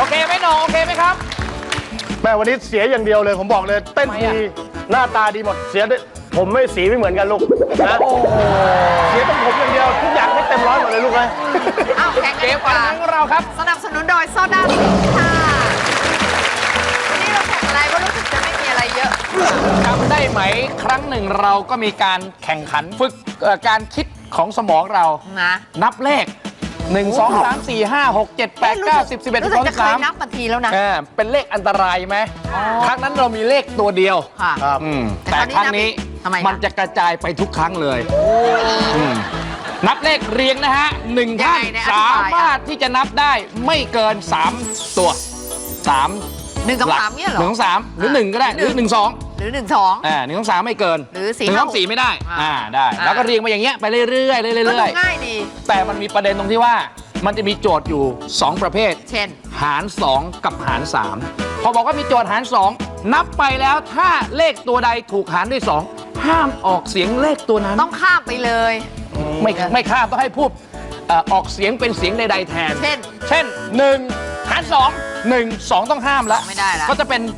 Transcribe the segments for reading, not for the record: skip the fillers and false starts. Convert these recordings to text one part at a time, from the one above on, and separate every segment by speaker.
Speaker 1: เคไหมน้องโอเคไหมครับ
Speaker 2: แม่วันนี้เสียอย่างเดียวเลยผมบอกเลยเต้นดีหน้าตาดีหมดเสียผมไม่สีไม่เหมือนกันลูกนะเสียต้องผมอย่างเดียวทุกอย่างให้เต็มร้อยหมดเลยลูกเลย
Speaker 3: อ้าวแข่งกัน
Speaker 1: เกมการแข่งของเราครับ
Speaker 3: สนับสนุนโดยโซดาสิงค์ค่ะวันนี้เราแข่งอะไรก็รู้สึกจะไม่มีอะไรเยอะ
Speaker 1: จำได้ไหมครั้งหนึ่งเราก็มีการแข่งขันฝึกการคิดของสมองเรา
Speaker 3: นะ
Speaker 1: นับเลข1 2 3 4 5 6 7 8 9 10 11
Speaker 3: รู้สึกจะเคยนับ
Speaker 1: 12
Speaker 3: มาทีแล้วนะ
Speaker 1: เป็นเลขอันตรายไหมครั้งนั้นเรามีเลขตัวเดียว
Speaker 3: ค่ะ
Speaker 1: แต่ครั้งนี้มันจะกระจายไปทุกครั้งเลยนับเลขเรียงนะฮะ1ท่านสามารถที่จะนับได้ไม่เกิน3ตัว3
Speaker 3: 1 2 3เนี่ยเหรอ
Speaker 1: 1 2 3หรือ1ก็ได้หรือ1 2
Speaker 3: หรือ1 2
Speaker 1: 1 2 3ไม่เกิน
Speaker 3: หรือ4
Speaker 1: 1 2 4ไม่ได้ได้แล้วก็เรียงมาอย่างเงี้ยไปเรื่อยๆเรื่อย
Speaker 3: ๆง่ายดี
Speaker 1: แต่มันมีประเด็นตรงที่ว่ามันจะมีโจทย์อยู่2ประเภท
Speaker 3: เช่น
Speaker 1: หาร2กับหาร3พอบอกว่ามีโจทย์หาร2นับไปแล้วถ้าเลขตัวใดถูกหารด้วย2ห้ามออกเสียงเลขตัวนั้น
Speaker 3: ต้องข้ามไปเลย
Speaker 1: ไม่ข้ามต้องให้พูดออกเสียงเป็นเสียงใดๆแทนเช่น1หาร2 1 2ต้องห้ามแล้ว
Speaker 3: ไม่ได้แล้ว
Speaker 1: ก็จะเป็น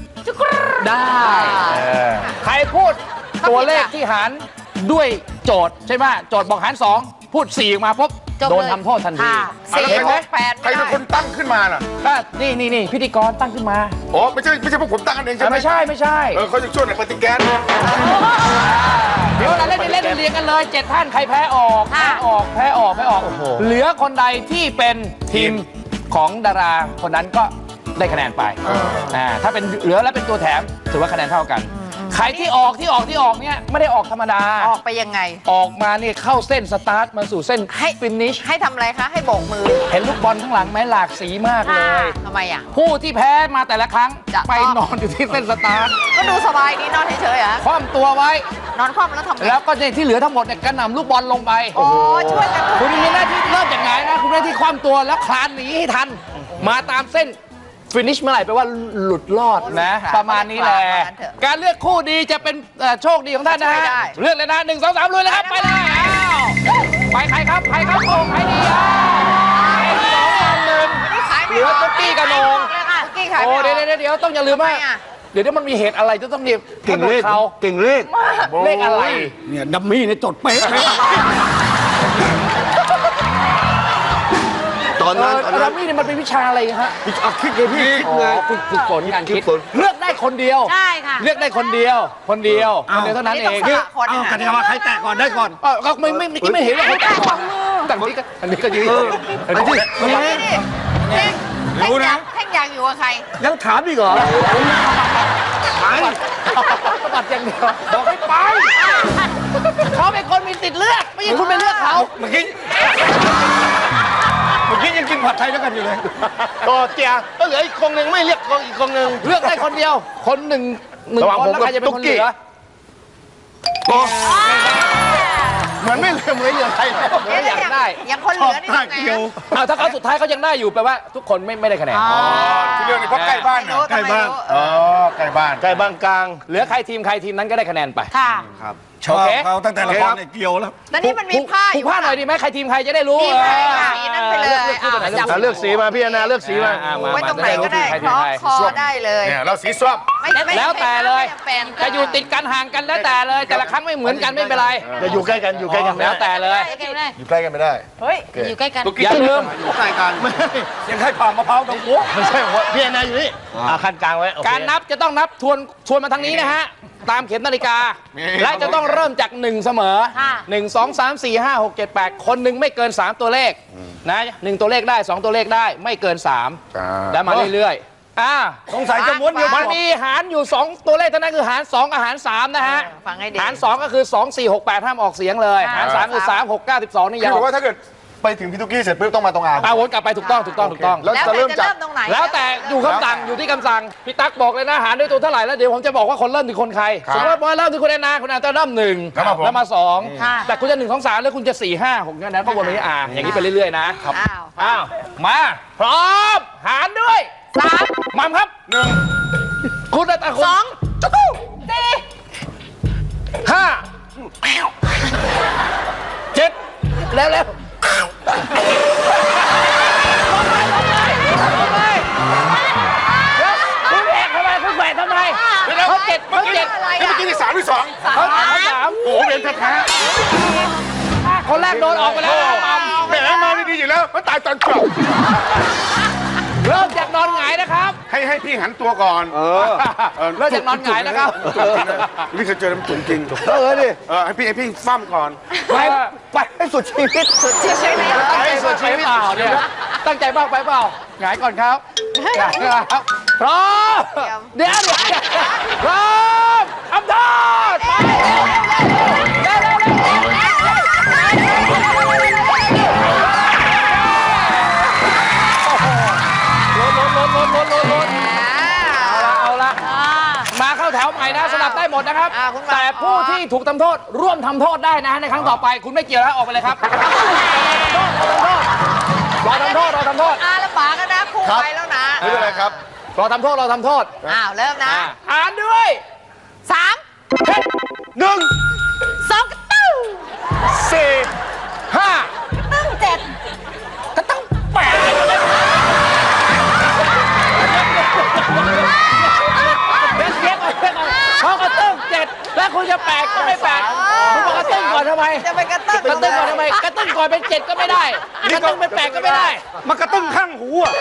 Speaker 1: 1ได้ใครพูดตัวเลขที่หารด้วยโจทย์ใช่ไหมโจทย์บอกหาร2พูด4ออกมาปุ๊บโดนทำโทษทันที
Speaker 3: 4 6 8
Speaker 4: ใครเป็นคนตั้งขึ้นมาล่ะ
Speaker 1: นี่พิธีกรตั้งขึ้นมา
Speaker 4: อ๋อไม่ใช่พวกผมตั้งกันเองใช่ไหม
Speaker 1: ไม่ใช่
Speaker 4: เขาจะช่วยในปฏิแกน
Speaker 1: เดี๋ยวเราเล่นเรียงกันเลย7ท่านใครแพ้ออกแพ้ออกเหลือคนใดที่เป็นทีมของดาราคนนั้นก็ได้คะแนนไปถ้าเป็นเหลือแล้วเป็นตัวแถมถือว่าคะแนนเท่ากันใครที่ออกเนี่ยไม่ได้ออกธรรมดา
Speaker 3: ออกไปยังไง
Speaker 1: ออกมาเนี่ยเข้าเส้นสตาร์ทมาสู่เส้นฟินิช
Speaker 3: ให้ทำอะไรคะให้โบกมือ
Speaker 1: เห็นลูกบอลข้างหลังไหมหลากสีมากเลย
Speaker 3: ทำไมอ่ะ
Speaker 1: ผู้ที่แพ้มาแต่ละครั้งไปนอนอยู่ที่เส้นสตาร์ท
Speaker 3: ก็ดูสบายดีนอนเฉยๆอ่ะ
Speaker 1: คว่ำตัวไว้
Speaker 3: นอนคว่ำแล้วทำไง
Speaker 1: แล้วก็ที่เหลือทั้งหมดเนี่ยกระหน่ำลูกบอลลงไป
Speaker 3: โอ้ช่วยกัน
Speaker 1: คุณมีหน้าที่เริ่มจากไหนนะคุณมีหน้าที่คว่ำตัวแล้วคลานหนีให้ทันมาตามเส้นฟินิชเมื่อไหร่แปลว่าหลุดรอดนะประมาณนี้แหละการเลือกคู่ดีจะเป็นโชคดีของท่านนะฮะเลือกเลยนะ1 2 3ลุยเลยครับไปเลยไปใครครับโอ้ใครดี2 1เหลือตุ๊กกี้กับโหน่งโอ้เดี๋ยวต้องอย่าลืมว่าเดี๋ยวมันมีเหตุอะไรจะต้องเนี่ย
Speaker 2: เก่งเลข
Speaker 1: อะไร
Speaker 2: เนี่ยดัมมี่เนี่ยจดเป๊ะตอนนั้น
Speaker 1: ดัมมี่เนี่ยมันเป็นวิชาอะไรฮะ
Speaker 2: คิดเลยพี่
Speaker 1: ฝึกฝนการคิดเลือกได้คนเดียว
Speaker 3: ใช่ค่ะ
Speaker 1: เลือกได้คนเดียวเท่านั้นเอง
Speaker 2: กันว่าใครแตะก่อนได้ก่อน
Speaker 1: ก็ไม่เห็นว่าใครแตะก่อนแต่อันนี้ก็ยืน
Speaker 3: รู้นะแท่งยางอยู่กับใคร
Speaker 2: ยังถามอีกเหรอ
Speaker 1: ไปบัดอย่างเดียวบอกให้ไปเขาเป็นคนมีสิทธิ์เลือกไม่ใช่คุณไปเลือกเขา
Speaker 2: เมื่อกี้ยังกินผัดไทยด้วยกันอยู่เลยก็เจียก็เหลืออีกคนหนึ่งไม่เรียกอีกคนหนึ่ง
Speaker 1: เลือกได้คนเดียวคนหนึ่งคนแล้วใครจะเป็นคนเหลือ
Speaker 2: เหมือนไม่เหลือใคร
Speaker 1: อยากได้
Speaker 3: ยังคนเหลือนี่ไง
Speaker 1: ถ้าเขาสุดท้ายเขายังได้อยู่แปลว่าทุกคนไม่ได้คะแนน
Speaker 4: ที่เรื่องนี้เพราะใกล้บ้าน
Speaker 2: ใกล้บ้านใกล้บ้านกลาง
Speaker 1: เหลือใครทีมนั้นก็ได้คะแนนไป
Speaker 3: ค่ะ
Speaker 2: ครับชอบเขาตั้งแต่ละครเนี่ยเกี่ยวแล้ว
Speaker 3: แล้วนี่มันมีผ้าอยู่
Speaker 1: ผ้าหน่อยดีไหมใครทีมใครจะได้รู้
Speaker 3: สีนั้นไปเลย
Speaker 2: เลือกสีมาพี่นาเลือกสีมา
Speaker 3: ไว้ตรงไหนก็ได้คอได้เลย
Speaker 4: เนี่ยเราสีส้ม
Speaker 1: แล้วแต่เลยจะอยู่ติดกันห่างกันแล้วแต่เลยแต่ละครั้งไม่เหมือนกันไม่เป็นไร
Speaker 2: จะอยู่ใกล้กัน
Speaker 1: แล้วแต่เลย
Speaker 4: อยู่ใกล้กันไม่ได้
Speaker 3: เฮ้ยอยู่ใกล้กัน
Speaker 1: อย่าลืม
Speaker 2: อยู่ใกล้กันยังให้ผ่ามะพร้าวตรงหัวไม่ใช่พี่นาอยู่นี่ขั้นกลางไว้
Speaker 1: การนับจะต้องนับทวนมาทางนี้นะฮะตามเข็มนาฬิกาและจะต้องเริ่มจาก1เสมอ1 2 3 4 5 6 7 8คนหนึ่งไม่เกิน3ตัวเลขนะ1ตัวเลขได้2ตัวเลขได้ไม่เกิน3แล้วมาเรื่อยๆ
Speaker 2: สงสัยจะม้วนเดียว
Speaker 1: มันมีหารอยู่2ตัวเลขเท่านั้นคือหาร2กับหาร3นะฮะหาร2ก็คือ2 4 6 8ห้ามออกเสียงเลยหาร3คือ3 6 9 12นี่ยาว
Speaker 4: คือว่าถ้าเกิดไปถึงพี่ตุ๊กกี้เสร็จปุ๊บต้องมาตรง
Speaker 1: วนกลับไปถูกต้อง
Speaker 3: แล้วจะเริ่มตรงไหน
Speaker 1: แล้วแต่อยู่คำสั่งอยู่ที่คำสั่งพี่ตั๊กบอกเลยนะหารด้วยตัวเท่าไหร่แล้วเดี๋ยวผมจะบอกว่าคนเริ่มคือคนใครสมมติว่าเริ่มคือคุณแอนนาคุณแอนนาเริ่ม1แล้วมา2แต่คุณจะ1 2 3แล้วคุณจะ4 5 6นั้นก็วนไปอย่างนี้ไปเรื่อยๆนะครับมาพร้อมหารด้วย3มัมครับ1คุณแต่คุณ
Speaker 3: 2จุ๊ก
Speaker 1: 4 5 7แล้ว
Speaker 4: ตอนจบ
Speaker 1: เริ่มจากนอนหงายนะครับ
Speaker 4: ให้พี่หันตัวก่อน
Speaker 1: เริ่มจากนอนหงายนะครับ
Speaker 4: นี่เคยเจอน้ำจุ๋มจริง
Speaker 2: ดิ
Speaker 4: ให้พี่ฟั่มก่อน
Speaker 2: ไปให้สุดชีวิต
Speaker 3: สุดชีวิต
Speaker 1: ตั้งใจไปเปล่าเนี่ยตั้งใจบ้างไปเปล่าหงายก่อนครับหงายครับพร้อมเดี๋ยวพร้อมทำโทษไปเร็วล้นเอาละมาเข้าแถวใหม่นะสลับได้หมดนะครับ แต่ผู้ที่ถูกทำโทษร่วมทำโทษได้นะในครั้งต่อไปคุณไม่เกี่ยวแล้วออกไปเลยครับรอทำโทษ
Speaker 3: ลำบากกันนะครูไปแล้วนะ
Speaker 4: ไม่เป็นไรครับ
Speaker 1: รอทำโทษ
Speaker 3: เริ่มนะ
Speaker 1: อ่านด้วย
Speaker 3: 3
Speaker 1: 1
Speaker 3: 2กระตึ้ง
Speaker 1: 4 5
Speaker 3: ตึ้ง7
Speaker 1: ก็ต้อง8พอกระตึ้ง7แล้วคุณจะ8ก็ไม่8คุณบอกกระตึ้งก่อนทำไม
Speaker 3: จะไปกระตึ้ง
Speaker 1: กระตึ้งก่อนทำไมกระตึ้งก่อนเป็น7ก็ไม่ได้กระตึ้งเป็น8ก็ไม่ได้
Speaker 2: มันกระตึ้งข้างหูอ่ะ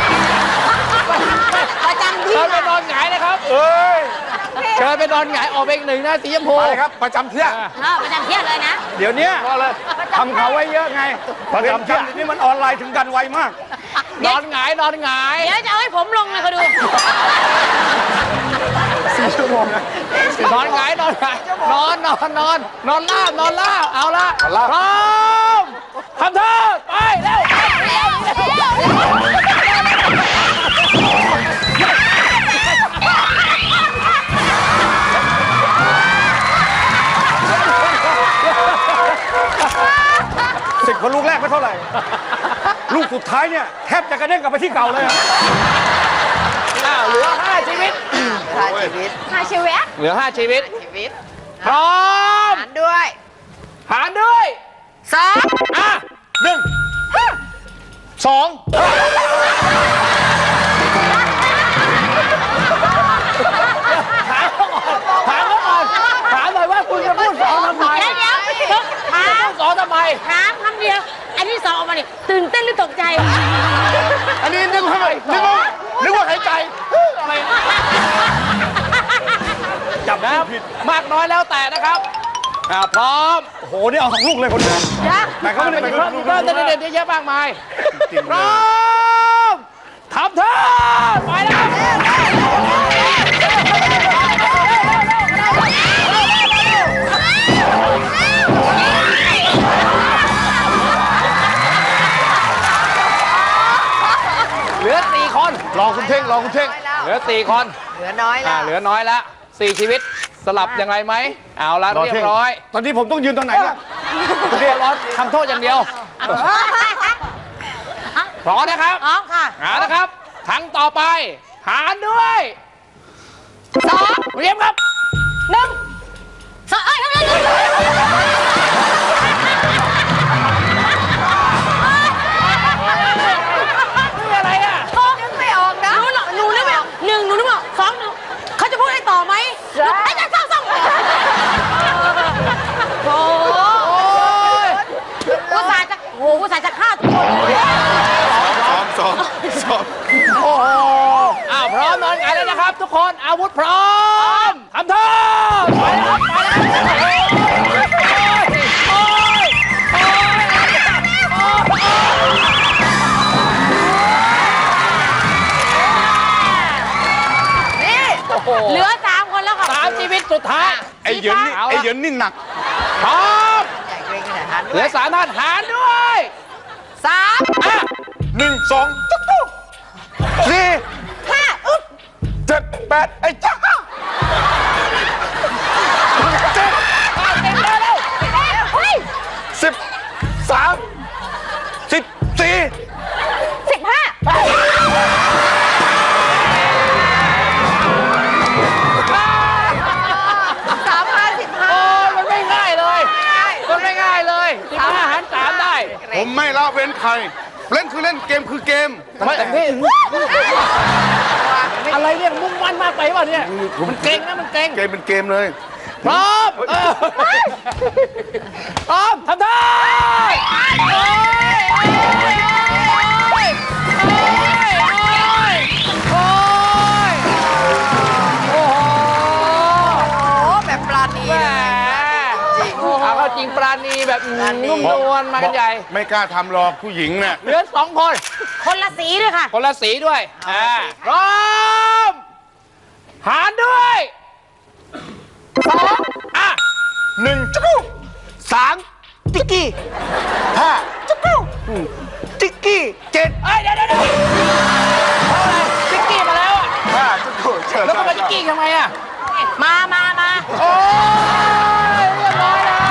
Speaker 3: ประจำที่
Speaker 1: เชิญไปนอนหงายนะครับเชิญไปนอนหงายออกไปอีกหนึ่งนะสีชมพู
Speaker 2: ไปครับประจำเที่ยง
Speaker 3: ประจำเที่ยงเลยนะ
Speaker 2: เดี๋ยวนี้ทำเขาไว้เยอะไงประจำเที่ยงนี่มันออนไลน์ถึงกันไวมาก
Speaker 1: นอนหงาย
Speaker 3: เดี๋ยวจะเอาให้ผมลงเลยเขาดู
Speaker 2: 4 ชั่วโมงนะ
Speaker 1: นอนหงายนอนลาบเอาละพร้อมทำโทษไปเร็ว
Speaker 2: 10 คนลูกแรกไม่เท่าไหร่ ลูกสุดท้ายเนี่ยแทบจะกระเด้งกลับไปที่เก่าเลยอะ
Speaker 1: เหลือ5ชีวิต
Speaker 3: 5 ชีวิต
Speaker 1: เหลือ5ชีวิต
Speaker 3: ชีวิต
Speaker 1: พร้อม
Speaker 3: หารด้วย
Speaker 1: หารด้วย
Speaker 3: 2
Speaker 1: อ่ะ1 2ถามหน่อยว่าคุณจะพูดสองทำไม
Speaker 3: เดี๋ยวถาม
Speaker 1: สองทำไม
Speaker 3: ถามคำเดียว อันที่ 2 ออกมาเนี่ยตื่นเต้นหรือตกใจ
Speaker 2: อันนี้นึกว่าหายใจ
Speaker 1: อะไรจับนะมากน้อยแล้วแต่นะครับพร้อม
Speaker 2: โอ้โห นี่เอา2 ลูกเลยคนเดียวแต่เขาไม่ได้
Speaker 1: ไป
Speaker 2: เป็น
Speaker 1: เพิ่มเด็ดๆเยอะมากมายพร้อมทำเถอะไปแล้วเหลือ4 คน
Speaker 2: รอคุณเท่ง
Speaker 1: เหลือ4 คน
Speaker 3: เหลือน้อยแล้ว
Speaker 1: เหลือน้อยแล้ว4 ชีวิตสลับยังไงไหมเอาละเรียบร้อย
Speaker 2: ตอนนี้ผมต้องยืนตรงไหนล่ะ
Speaker 1: เรียบร้อยทำโทษอย่างเดียวพร้อมนะครับ
Speaker 3: พร้อมค่ะ
Speaker 1: หานะครับครั้งต่อไปหารด้วย2เรียบครับ
Speaker 3: 1 2เอ้ย
Speaker 1: นี่อะไรอ่ะ
Speaker 3: นึกไม่ออกนะหนูนึกไม่ออก1 หนูนึกไม่ออก2 หนูเขาจะพูดให้ต่อไหมไอ้จะ2โอ้อุตส่าห์จะฆ่าทุกคน
Speaker 4: ซ้อม
Speaker 1: โอ้โหพร้อมนอนหงายแล้วนะครับ ทุกคนอาวุธพร้อมทำโทษไปแล้ว
Speaker 3: เหลือ3 คนแล้วค่ะ
Speaker 1: 3 ชีวิตสุดท้าย
Speaker 4: ไอ้เหยินนี่หนัก
Speaker 1: พร้อม
Speaker 3: ใหญ่เกรงขนาดนั้น
Speaker 1: เหลือ3 ท่านหารด้วย
Speaker 3: 3
Speaker 4: 1 2ตุ๊กตุ๊ก
Speaker 3: 5 อึ๊บ
Speaker 4: 7 8ไอ้จ๊ะ
Speaker 3: เฮ้ย
Speaker 4: 13 14
Speaker 1: มันไม่ง่ายเลย15 หาร 3 ได้
Speaker 4: ผมไม่ละเว้นใคร เล่นคือเล่นเกมคือเกม
Speaker 1: แต่พี่อะไรเนี่ยมุ่งมั่นมากไปป่ะเนี่ยมันเก่งนะมันเก่ง
Speaker 4: เกมเป็นเกมเลย
Speaker 1: พร้อมพร้อมทำได้นุ่มนวลมากันใหญ่
Speaker 4: ไม่กล้าทำหรอกผู้หญิงเนี่ย
Speaker 1: เหลือ2 คน
Speaker 3: คนละสีด้วยค่ะ
Speaker 1: คนละสีด้วยพร้อมหารด้วย2อ่ะ
Speaker 2: 1 จุ๊ก3 ติ๊กกี้5 จุ๊กติ๊กกี้ 7
Speaker 1: เอ้ยเดี๋ยวเพราะอะไรติ๊กกี้มาแล้วอ่ะ
Speaker 2: 5 จุ๊กเชิญ
Speaker 1: แล้วก็มาติ๊กกี้ทำไมอ่ะ
Speaker 3: มา
Speaker 1: โอ้ยเรียบร้อยเลย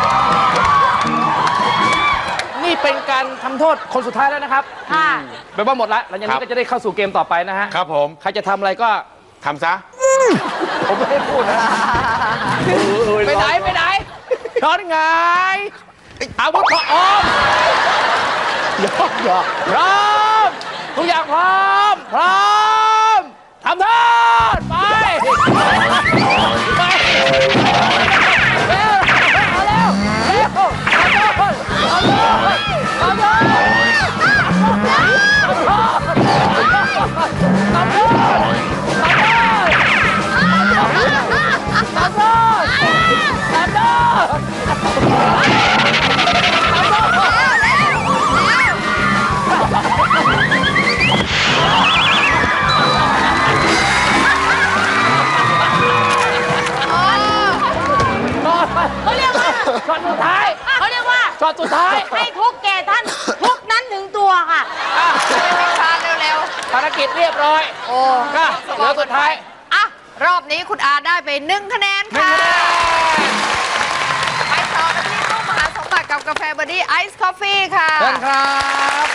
Speaker 1: นี่เป็นการทำโทษคนสุดท้ายแล้วนะครับ
Speaker 3: ค่ะ
Speaker 1: แปลว่าหมดละหลังจากนี้ก็จะได้เข้าสู่เกมต่อไปนะฮะ
Speaker 4: ครับผม
Speaker 1: ใครจะทำอะไรก็
Speaker 4: ทำซะ
Speaker 1: ผมไม่ได้พูดนะไปไหนช้อนไงอาวุธพร้อมหยอกพร้อมทุกอย่างพร้อมทำโทษไปเร็วเอาเร็วทำโทษ
Speaker 3: เขาเรียกว่า
Speaker 1: ช็อตสุดท้าย
Speaker 3: ให้ทุกแก่ท่าน ทุกนั้นถึงตัวค่ะ
Speaker 5: ไม่ช้าเร็ว
Speaker 1: ภารกิจเรียบร้อย
Speaker 5: ๆ โอ้
Speaker 1: ก็เหลือสุดท้าย
Speaker 5: อ่ะ รอบนี้คุณอาได้ไป1 คะแนนค่ะ ไปต่อกันที่ตู้มหาสมบัติกับกาแฟบอดี้ไอซ์คอฟฟี่ค่ะ
Speaker 1: เชิญครับ